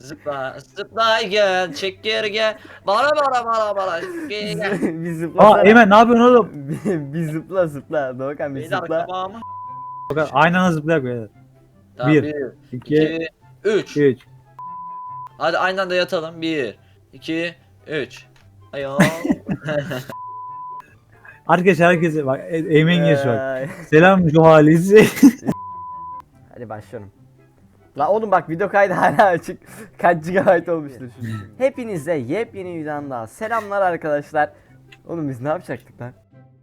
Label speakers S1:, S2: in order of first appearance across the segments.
S1: Zıpla zıpla gel çek geri gel. Bana gel gel.
S2: Bir zıplasana.
S3: Aa Eymen ne yapıyorsun oğlum?
S2: Bir zıpla zıpla. Doğukan bir
S1: Beyler
S2: zıpla.
S1: kabağımı.
S3: Bak, aynı anda zıplayak böyle.
S1: Tamam
S3: 1,
S1: 1
S3: 2,
S1: 2 3.
S3: 3.
S1: Hadi aynı anda yatalım. 1 2 3. Ayol.
S3: Arkadaşlar herkese bak Eymen geç bak.
S2: Ay.
S3: Selam Juhalisi.
S2: Hadi başlıyorum. La oğlum bak video kaydı hala açık. Kaç GB olmuştur şimdi. Hepinize yepyeni videodan daha selamlar arkadaşlar. Oğlum biz ne yapacaktık lan?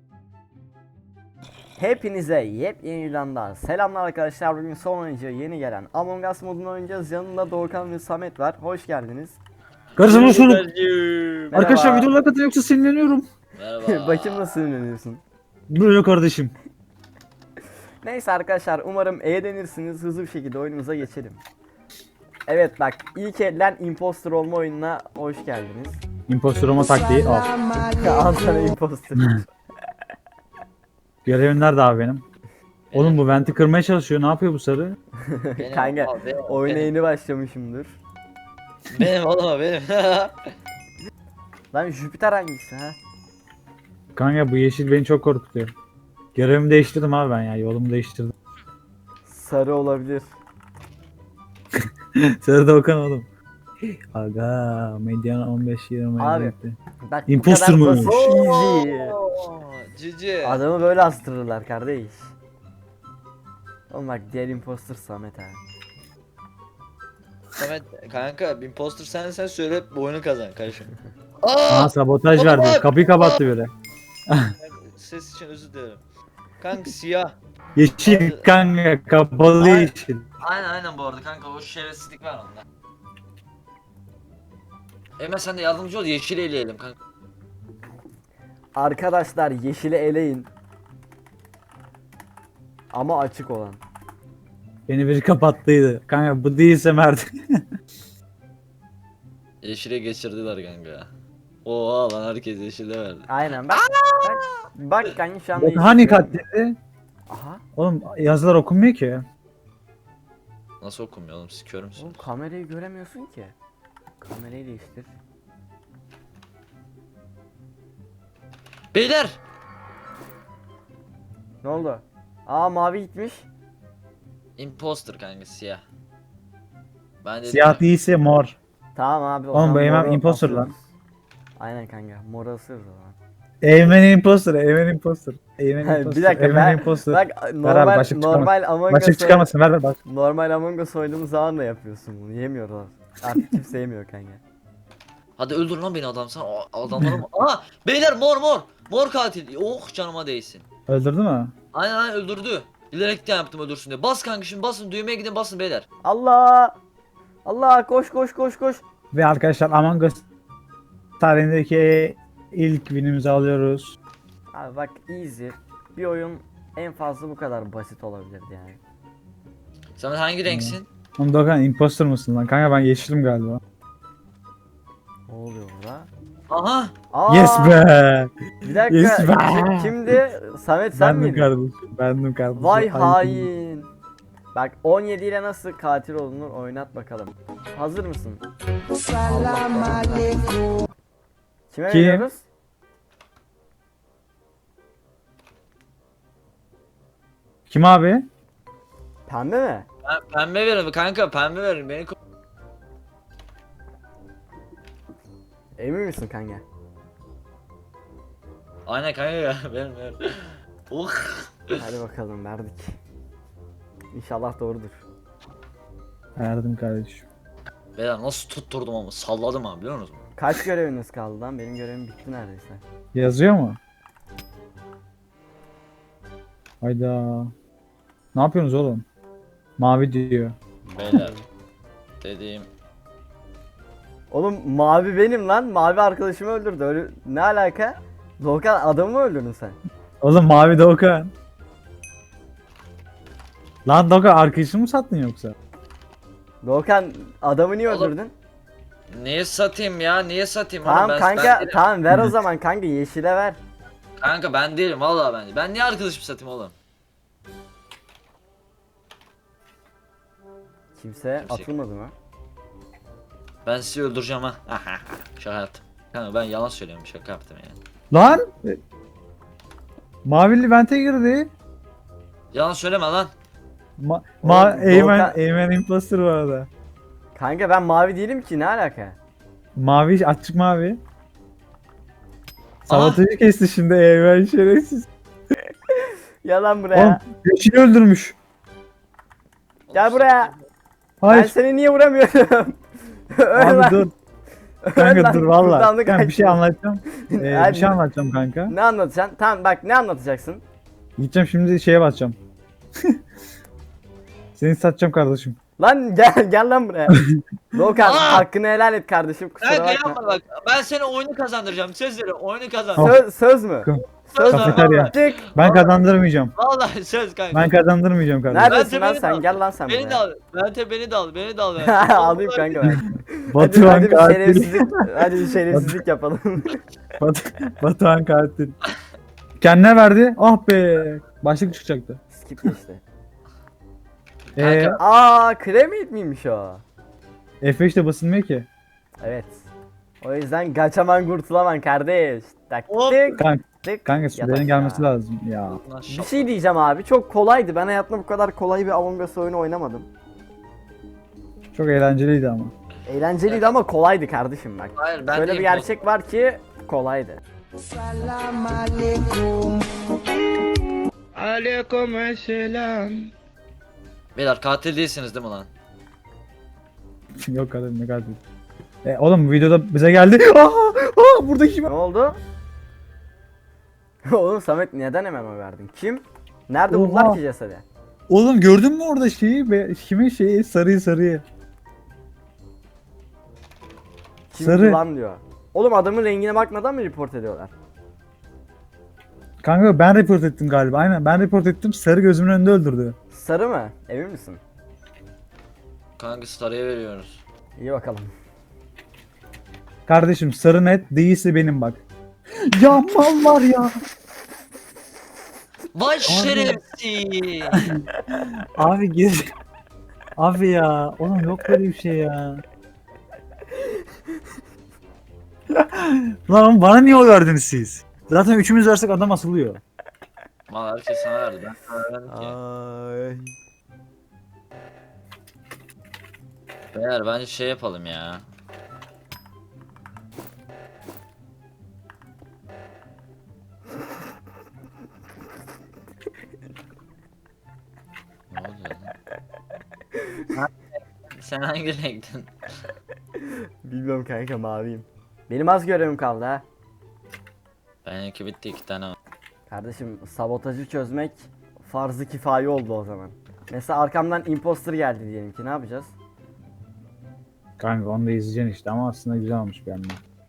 S2: Hepinize yepyeni videodan daha selamlar arkadaşlar. Bugün son oyuncu yeni gelen Among Us modunu oynayacağız. Yanında Doğukan ve Samet var. Hoş geldiniz.
S3: Karışma şunu.
S2: Merhaba.
S3: Arkadaşlar videolar katın yoksa sinirleniyorum.
S1: Merhaba.
S2: Bakayım nasıl ünleniyorsun.
S3: Böyle kardeşim.
S2: Neyse arkadaşlar umarım denirsiniz. Hızlı bir şekilde oyunumuza geçelim. Evet bak ilk elden imposter olma oyununa hoş geldiniz.
S3: Impostor olma taktiği al.
S2: Al sana imposter.
S3: Görevim nerede abi benim? Oğlum bu venti kırmaya çalışıyor. Ne yapıyor bu sarı?
S1: Benim,
S2: Kanka
S1: al, benim,
S2: oyuna
S1: benim.
S2: yeni başlamışımdır.
S1: Benim oğlum o, benim.
S2: Lan Jüpiter hangisi ha?
S3: Kanka bu yeşil beni çok korkutuyor. Görevimi değiştirdim abi ben ya. Yolumu değiştirdim.
S2: Sarı olabilir.
S3: Sarı da Okan oğlum. Aga Mediana 15-20
S2: Abi,
S3: etti.
S2: Bak
S3: Imposter
S2: bu kadar
S3: mı?
S2: basit, easy.
S1: Oo, Cici.
S2: Adamı böyle astırırlar kardeş. Oğlum bak diğer imposter Samet ha.
S1: Samet kanka imposter sen söyle bu oyunu kazan kardeşim.
S3: Aa sabotaj
S1: Oğlum
S3: verdi.
S1: bak!
S3: Kapıyı kapattı böyle.
S1: Ses için özür dilerim. Kanka siyah.
S3: Yeşil kanka kapalı
S1: Ay.
S3: yeşil.
S1: Aynen bu arada kanka o şerefsizlik var onda. Emre sen de yardımcı ol yeşil eleyelim kanka.
S2: Arkadaşlar yeşili eleyin. Ama açık olan.
S3: Beni biri kapattıydı. Kanka bu değilse Mert.
S1: Yeşile geçirdiler kanka. Oha lan herkes yeşile verdi.
S2: Aynen bak. Bak kanka şu anda
S3: Bak, hani
S2: yeşil görüyorum.
S3: katletti?
S2: Aha.
S3: Oğlum yazılar okunmuyor ki.
S1: Nasıl okumuyor oğlum siz kör
S2: Oğlum
S1: müsünüz?
S2: kamerayı göremiyorsun ki. Kamerayı değiştir.
S1: Beyler!
S2: Ne oldu? Aa mavi gitmiş.
S1: Imposter kanka siyah. Ben dedim
S3: Siyah
S1: ya,
S3: değilse mor.
S2: Tamam abi. o
S3: Oğlum
S2: zaman
S3: bu Eymen
S2: moru
S3: imposter
S2: asıyoruz.
S3: lan.
S2: Aynen kanka. Moru asıyoruz o zaman.
S3: Eymen imposter, Eymen imposter. Eymen imposter.
S2: Bir dakika
S3: Eymen
S2: ben
S3: imposter.
S2: bak
S3: Ver abi, başlık
S2: normal Among
S3: Başlık
S2: Us
S3: çıkarmasın ver ver bak.
S2: normal Among Us oynadığımız zaman da yapıyorsun bunu. Yemiyorlar. Artık kimse yemiyor kanka.
S1: hadi öldür lan beni adam sen adamları mı? Aa beyler mor. Mor katil. Oh canıma değsin.
S3: Öldürdü mü?
S1: Aynen öldürdü. Bilerekten yaptım öldürsün diye. Bas kanka şimdi basın düğmeye gidin basın beyler.
S2: Allah! Allah koş koş koş koş.
S3: Ve arkadaşlar Among Us tarihindeki ilk winimizi alıyoruz.
S2: Abi bak easy. Bir oyun en fazla bu kadar basit olabilirdi yani.
S1: Sen hangi renksin?
S3: Oğlum Dokan imposter mısın lan? Kanka ben yeşilim galiba.
S2: Ne oluyor burada?
S1: Aha.
S2: Aa!
S3: Yes be!
S2: Bir dakika.
S3: Yes be!
S2: Kimdi? Samet sen
S3: Bendim
S2: miydin?
S3: kardeşim. Bendim kardeşim.
S2: Vay
S3: Ayıp.
S2: hain. Bak 17 ile nasıl katil olunur oynat bakalım. Hazır mısın?
S4: Salam alaikum.
S2: Kime
S3: Kim?
S2: veriyoruz?
S3: Kim abi?
S2: Pembe mi?
S1: Pembe verin kanka pembe verin beni
S2: Emin misin kanka?
S1: Aynen kanka ya verin. Oh.
S2: Hadi bakalım verdik. İnşallah doğrudur.
S3: Verdim kardeşim.
S1: Beyler nasıl tutturdum ama salladım abi biliyor musunuz?
S2: Kaç göreviniz kaldı lan? Benim görevim bitti neredeyse.
S3: Yazıyor mu? Hayda. Ne yapıyorsunuz oğlum? Mavi diyor.
S1: Beyler dediğim
S2: Oğlum mavi benim lan. Mavi arkadaşımı öldürdü. Öyle ne alaka? Doğukan adamı mı öldürdün sen?
S3: Oğlum mavi Doğukan. Lan Doğukan arkadaşını mı sattın yoksa?
S2: Doğukan adamı niye
S1: Oğlum,
S2: öldürdün?
S1: niye satayım ya niye satayım
S2: Tamam
S1: oğlum
S2: kanka
S1: ben değilim.
S2: tamam ver o zaman kanka yeşile ver.
S1: Kanka ben değilim vallahi ben niye arkadaşım satayım oğlum?
S2: Kimse
S1: Kimse-
S2: atılmadı mı?
S1: Ben sizi öldüreceğim ha. Şaka yaptım. Kanka ben yalan söylüyorum, şaka yaptım yani.
S3: Lan! Mavili vente girdi.
S1: Yalan söyleme lan.
S2: Oğlum,
S3: Eymen imposter bu arada.
S2: Kanka ben mavi değilim ki, ne alaka?
S3: Mavi, açık mavi. Sabotajı kesti şimdi Eymen şerefsiz.
S2: Yalan buraya.
S3: Oğlum yeşili öldürmüş.
S2: Gel buraya. Ben
S3: Hayır.
S2: seni niye vuramıyorum? Öl
S3: Abi
S2: lan.
S3: dur.
S2: Öl
S3: Kanka
S2: lan,
S3: dur valla.
S2: kurtardık
S3: Kanka bir şey
S2: kaçtı.
S3: anlatacağım.
S2: Hadi.
S3: Bir şey anlatacağım kanka.
S2: Ne anlatacaksın? Tamam bak, ne anlatacaksın?
S3: Gideceğim şimdi şeye basacağım. Seni satacağım kardeşim.
S2: Lan gel lan buraya. Doğukan
S1: Aa!
S2: hakkını helal et kardeşim, kusura
S1: Kanka
S2: bakma.
S1: yapma bak. Ben seni oyunu kazandıracağım. Söz veriyorum, oyunu kazandır.
S2: Söz mü? Söz mü?
S3: Kafeterya.
S2: Çık.
S3: Ben kazandırmayacağım.
S1: Vallahi söz kanka.
S3: Ben kazandırmayacağım kardeşim.
S2: Neredesin lan
S1: beni de
S2: sen?
S1: al.
S2: Gel lan sen
S1: Beni de
S2: buraya.
S1: al. Beni de al. Beni de al.
S2: Alayım kanka ben. Hadi,
S3: Batuhan
S2: hadi bir
S3: katil.
S2: şerefsizlik, hadi bir şerefsizlik yapalım.
S3: Batuhan katil. Kendine verdi. Ah be. Başlık çıkacaktı.
S2: Skip geçti.
S1: Kanka.
S2: Aa, kremit miymiş o?
S3: F5 de basılmıyor ki.
S2: Evet. O yüzden kaçaman kurtulaman kardeş. Tak
S1: Hop.
S2: tık
S3: Kanka,
S2: tık.
S3: kanka
S2: Yat
S3: sürelerin gelmesi
S2: aşağı.
S3: lazım ya.
S2: Bir şey diyeceğim abi, çok kolaydı. Ben hayatımda bu kadar kolay bir Among Us oyunu oynamadım.
S3: Çok eğlenceliydi ama.
S2: Eğlenceliydi ama kolaydı kardeşim bak.
S1: Hayır ben
S2: Böyle
S1: de
S2: bir gerçek var ki kolaydı.
S4: Salam alaikum.
S1: Beyler katil değilsiniz değil mi lan?
S3: Yok kadın ne katil. Oğlum bu videoda bize geldi. Burada kim?
S2: Ne oldu? Oğlum Samet, neden hemen oy verdin? Kim? Nerede
S3: Oha.
S2: buldular ki cesedi?
S3: Oğlum gördün mü orada şeyi? Kimin şeyi? Sarıyı.
S2: Kim
S3: Sarı.
S2: lan diyor. Oğlum adamın rengine bakmadan mı report ediyorlar?
S3: Kanka ben report ettim galiba. Aynen ben report ettim. Sarı gözümün önünde öldürdü.
S2: Sarı mı? Emin misin?
S1: Kanka Star'ya veriyoruz.
S2: İyi bakalım.
S3: Kardeşim sarı net değilse benim bak. Ya mal var ya.
S1: Vay şerefsiz.
S3: Abi gir. Abi ya. Oğlum yok böyle bir şey ya. Lan bana niye oy verdiniz siz? Zaten üçümüz versek adam asılıyor.
S1: Mal herkes sana verdi. Ben sana vermedim ki.
S2: Ay.
S1: Beyler bence şey yapalım ya. Ne oluyor lan? Sen hangi renktin?
S2: Bilmiyorum kanka, maviyim. Benim az görevim kaldı ha.
S1: Benimki bitti, 2 tane var.
S2: Kardeşim sabotajı çözmek farz-ı kifaye oldu o zaman. Mesela arkamdan imposter geldi diyelim ki, ne yapacağız?
S3: Kanka onu da izleyeceksin işte ama aslında güzel olmuş bir yandan.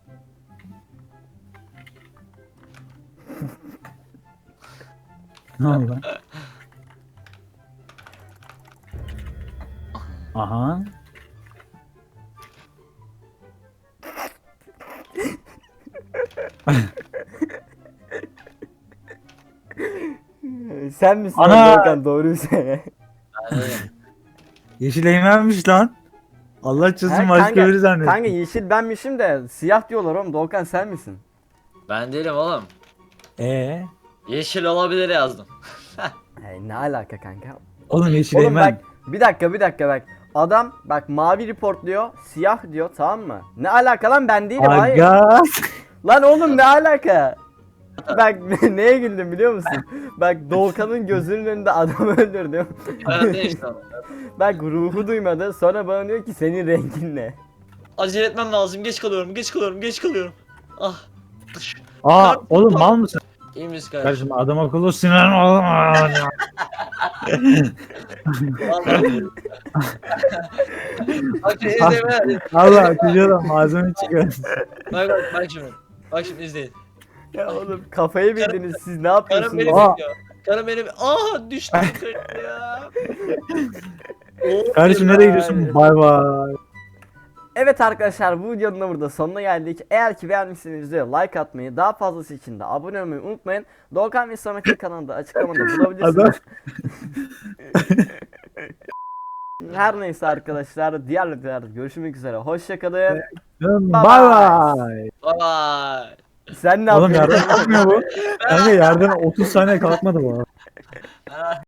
S3: Ne oldu lan? Aha.
S2: Sen misin
S3: Ana!
S2: lan Doğukan, doğruyu söyle.
S1: Ben öyle.
S3: Yeşil eğmenmiş lan. Allah çözüm
S2: Ha,
S3: başka biri zannettim.
S2: kanka yeşil benmişim de siyah diyorlar oğlum. Doğukan sen misin?
S1: Ben değilim oğlum.
S3: Yeşil
S1: Yeşil olabilir yazdım.
S2: Hey, ne alaka kanka?
S3: Oğlum yeşil
S2: Oğlum
S3: eğmen.
S2: bak, bir dakika bak. Adam bak mavi report diyor, siyah diyor, tamam mı? Ne alaka lan, ben değilim, hayır.
S3: Aga.
S2: Lan oğlum ne alaka? Bak neye güldüm biliyor musun? Bak Doğukan'ın gözünün önünde adam öldürdüm.
S1: Ben de işte.
S2: Bak ruhu duymadı, sonra bana diyor ki senin rengin ne?
S1: Acele etmem lazım. Geç kalıyorum. Ah.
S3: Aa oğlum mal mısın?
S1: İyi misin kardeşim?
S3: Kardeşim adam akıllı sinirlen oğlum.
S1: Vallahi. Bak şimdi izleyin.
S3: Allah kızıyorum malzeme çıkıyor.
S1: Bak şimdi. Bak şimdi izleyin.
S2: Ya oğlum kafayı bildiniz siz, ne
S1: Karım
S2: yapıyorsunuz?
S1: beni
S3: Aa.
S1: bekliyor. Karım beni... Düştüm ya.
S3: Kardeşim nereye gidiyorsun? Bay bay.
S2: Evet arkadaşlar, bu videonun da burada sonuna geldik. Eğer ki beğenmişseniz videoya like atmayı, daha fazlası için de abone olmayı unutmayın. Doğukan ve Samet'in kanalında açıklamada bulabilirsiniz.
S3: Adam.
S2: Her neyse arkadaşlar diğer videolarda görüşmek üzere. Hoşçakalın.
S3: Bay bay.
S1: Bye.
S2: Sen ne
S3: Oğlum
S2: yapıyorsun?
S3: yerden kalkmıyor bu. Kanka yerden 30 saniye kalkmadı bu.
S1: bye.